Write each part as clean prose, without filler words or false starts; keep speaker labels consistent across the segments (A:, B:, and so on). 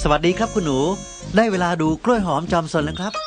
A: สวัสดีครับคุณหนูได้เวลาดูกล้วยหอมจอมซนแล้วครับ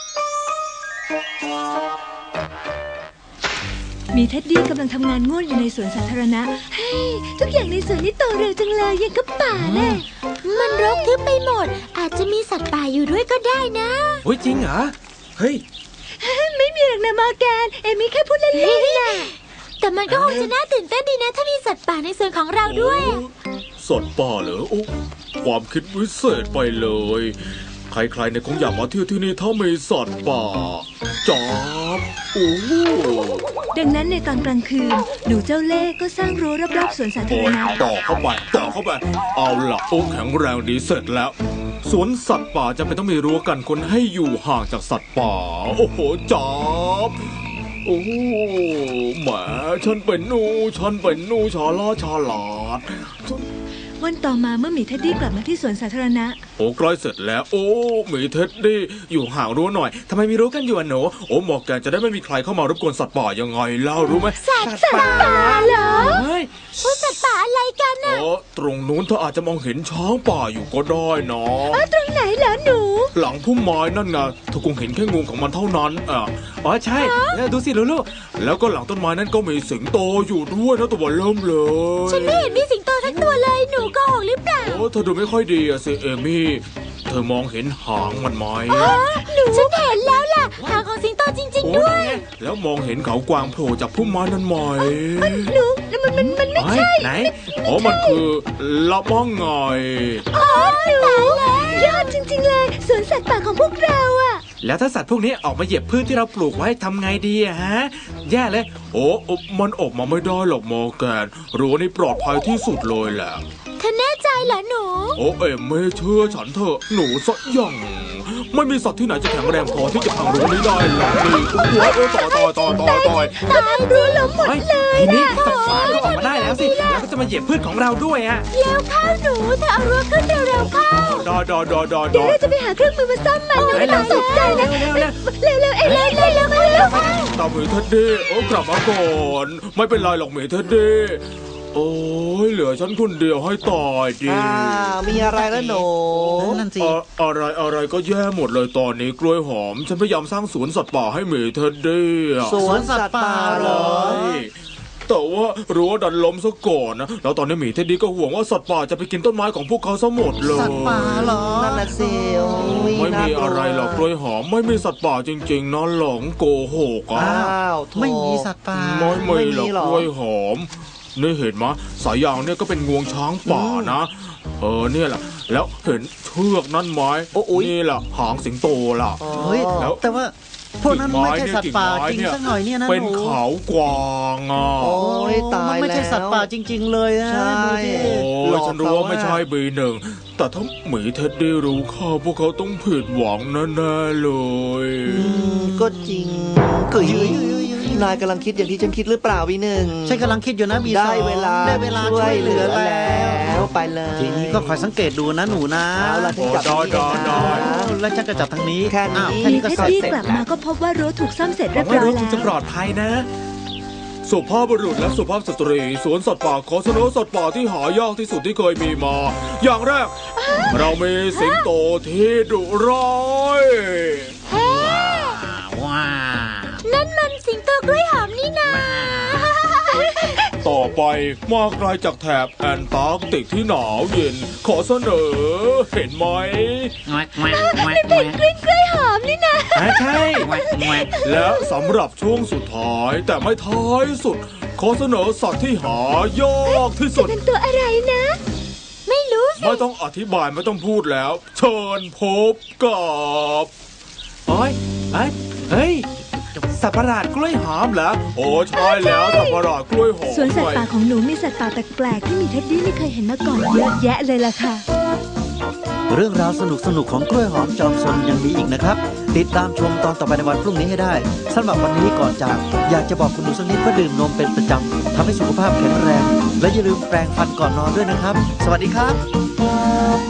B: มีเท็ดดี้กำลังทำงานง่วนอยู่ในสวนสาธารณะเฮ้ยทุกอย่างในสวนนี้โตเร็วจังเลยยังกับป่าแน่
C: มันรกทึบไปหมดอาจจะมีสัตว์ป่าอยู่ด้วยก็ได้นะ
D: โอ้ยจริงเหรอเฮ้ย
B: ไม่มีหรอกนะมอร์แกนเอมี่แค่พูดเล่นๆนะ
C: แต่มันก็คงจะน่าตื่นเต้นดีนะถ้ามีสัตว์ป่าในสวนของเราด้วย
E: สัตว์ป่าเหรอโอ้ความคิดวิเศษไปเลยใครๆเนี่ยคงอยากมาเที่ยวที่นี่ถ้ามีสัตว์ป่าจ๊อบโอ้
B: ดังนั้นในตอนกลางคืนหนูเจ้าเล่ห์ก็สร้างรั้วรอบๆสวนสาธารณะ
E: ต่อเข้าไปเอาล่ะโอ้แข็งแรงดีเสร็จแล้วสวนสัตว์ป่าจะไม่ต้องมีรั้วกันคนให้อยู่ห่างจากสัตว์ป่าโอ้โหจ๊อบโอ้แหมฉันเป็นหนูฉลาด
B: วันต่อมาเมื่อหมีเท็ดดี้กลับมาที่สวนสาธารณะ
E: โอ้ใกล้เสร็จแล้วโอ้หมีเท็ดดี้อยู่ห่างรั้วหน่อยทำไมมีรั้วกันอยู่หนูโอ้หมอกแกจะได้ไม่มีใครเข้ามารบกวนสัตว์ป่ายังไงเล่ารู้ไหม
C: สัตว์ป่าเหรอ
D: เฮ้ย
C: สัตว์ป่าอะไรกันน่ะ
E: ตรงนู้นเธออาจจะมองเห็นช้างป่าอยู่ก็ได้นะ
B: ตรงไหนเหรอหนู
E: หลังพุ่มไม้นั่นไงเธอคงเห็นแค่งูของมันเท่านั้น
D: อ๋อใช่ดูสิลูก
E: แล้วก็หลังต้นไม้นั้นก็มีสิงโตอยู่ด้วยนะตัวเริ่มเลย
C: ฉันไม่เห็นมีสิงโตทั้งตัวเลยหนูโกหกหรือเปล่า
E: เธอดูไม่ค่อยดีสิเอมี่เธอมองเห็นหางมันไหม
C: ฉันเห็นแล้วล่ะหางของสิงโตจริงๆด้วย
E: แล้วมองเห็นเขากวางโผล่จากพุ่มไม้นั้นไหม
B: หนูมันไม่ใช่
D: ไหน
E: มันคือละมั่งไง
B: หนูยอดจริงๆเลยสวนสัตว์ป่าของพวกเราอะ
D: แล้วถ้าสัตว์พวกนี้ออกมาเหยียบพืชที่เราปลูกไว้ทำไงดีอะฮะแย่เลย
E: มันออกมาไม่ได้หรอกมอร์แกนรั้วนี่ปลอดภัยที่สุดเลยแหละ
C: เธอแน่ใจเหรอหนู
E: ไม่เชื่อฉันเถอะหนูซะยังไม่มีสัตว์ที่ไหนจะแข็งแรงพอที่จะพังรั้วนี้ได้หรอกนี่ต่อย
B: รั้วล้มหมดเลย
D: ทีนี้สัตว์ป่าก็ออกมาได้แล้วสิแล้วก็จะมาเหยียบพืชของเราด้วยอะ
C: แล้วเข้าหนูเธอเอารั้วขึ้นเร็วๆเข้า
E: ดอ
B: เดี๋ยวเราจะไปหาเครื่องมือมาซ่อมมันนะไม่ต้องตกใจนะเร็ว
E: ตามหมีเท็ดดี้กลับมาก่อนไม่เป็นไรหรอกหมีเท็ดดี้โอ้ยเหลือฉันคนเดียวให้ตายดิ
A: มีอะไรแล้วหนูนั่นสิ
E: อะไรก็แย่หมดเลยตอนนี้กล้วยหอมฉันพยายามสร้างสวนสัตว์ป่าให้หมีเท็ดดี้
A: สวนสัตว์ป่าเหรอ
E: แต่ว่ารั้วดันล้มซะก่อนนะแล้วตอนนี้หมีเท็ดดี้ก็ห่วงว่าสัตว์ป่าจะไปกินต้นไม้ของพวกเขาซะหมดเลย
A: สัตว์ป่าเหรอนั่นน่ะสิ
E: ไม่มีอะไรหรอกกล้วยหอมไม่มีสัตว์ป่าจริงๆนะหลงโกหก
A: ไม่มีสัตว์ป่า
E: ไม่มีหรอกกล้วยหอมนี่เห็นไหมสายยางเนี่ยก็เป็นงวงช้างป่านะเนี่ยแหละแล้วเห็นเชือกนั่นไหมนี่แหละหางสิงโตล่ะ
A: แล้วแต่ว่าพวกนั้นไม่ใช่สัตว์ป่าจริงสักหน่อยเนี่ยนะ
E: เป็นเขากวาง
A: โอ้ยตายแล้วไม่ใช่สัตว์ป่าจริงๆเลยนะ
E: ใช่ฉันรู้ว่าไม่ใช่บีหนึ่งแต่ถ้าหมีเท็ดดี้รู้เข้าพวกเขาต้องผิดหวังแน่ๆเลย
A: ก็จริงนายกำลังคิดอย่างที่ฉันคิดหรือเปล่าวีหนึ่งฉันกำลังคิดอยู่นะบีได้เวลาช่วยเหลือแล้วไปเลยทีนี้ก็คอยสังเกตดูนะหนูนะ
E: แล้วฉันจับ
A: แล้วฉันจะจับทางนี้
B: แค่นี้ก็เสร็จกลับมาก็พบว่ารั้วถูกซ่อมเสร็จเรียบร้อยแล้ว
D: จะปลอดภัยนะ
E: สุภาพบุรุษและสุภาพสตรีสวนสัตว์ป่าขอเสนอสัตว์ป่าที่หายากที่สุดที่เคยมีมาอย่างแรกเรามีสิงโตที่ดุร้าย
C: ว้านั่นมันสิงโตกล้วยหอมนี่นา
E: ต่อไปมาไกลจากแถบแอนตาร์กติกที่หนาวเย็นขอเสนอเห็นไหม
B: นี่เป็นกล้วยหอมนี่นะ
D: ใช่
E: และสำหรับช่วงสุดท้ายแต่ไม่ท้ายสุดขอเสนอสัตว์ที่หายากที่สุด
B: จะเป็นตัวอะไรนะ
C: ไม่รู้สิ
E: ไม่ต้องอธิบายไม่ต้องพูดแล้วเชิญพบกับ
D: เฮ้ยสัตว์ประหลาดกล้วยหอมเหรอ
E: โอ้ใช่แล้วสัตว์ประหลาดกล้วยหอม
B: สวนสัตว์ป่าของหนูมีสัตว์ป่าแปลกๆที่มีเท็ดดี้ไม่เคยเห็นมาก่อนเยอะแยะเลยล่ะค่ะ
A: เรื่องราวสนุกๆของกล้วยหอมจอมซนยังมีอีกนะครับติดตามชมตอนต่อไปในวันพรุ่งนี้ให้ได้สำหรับวันนี้ก่อนจากอยากจะบอกคุณหนูสักนิดว่าดื่มนมเป็นประจำทำให้สุขภาพแข็งแรงและอย่าลืมแปรงฟันก่อนนอนด้วยนะครับสวัสดีครับ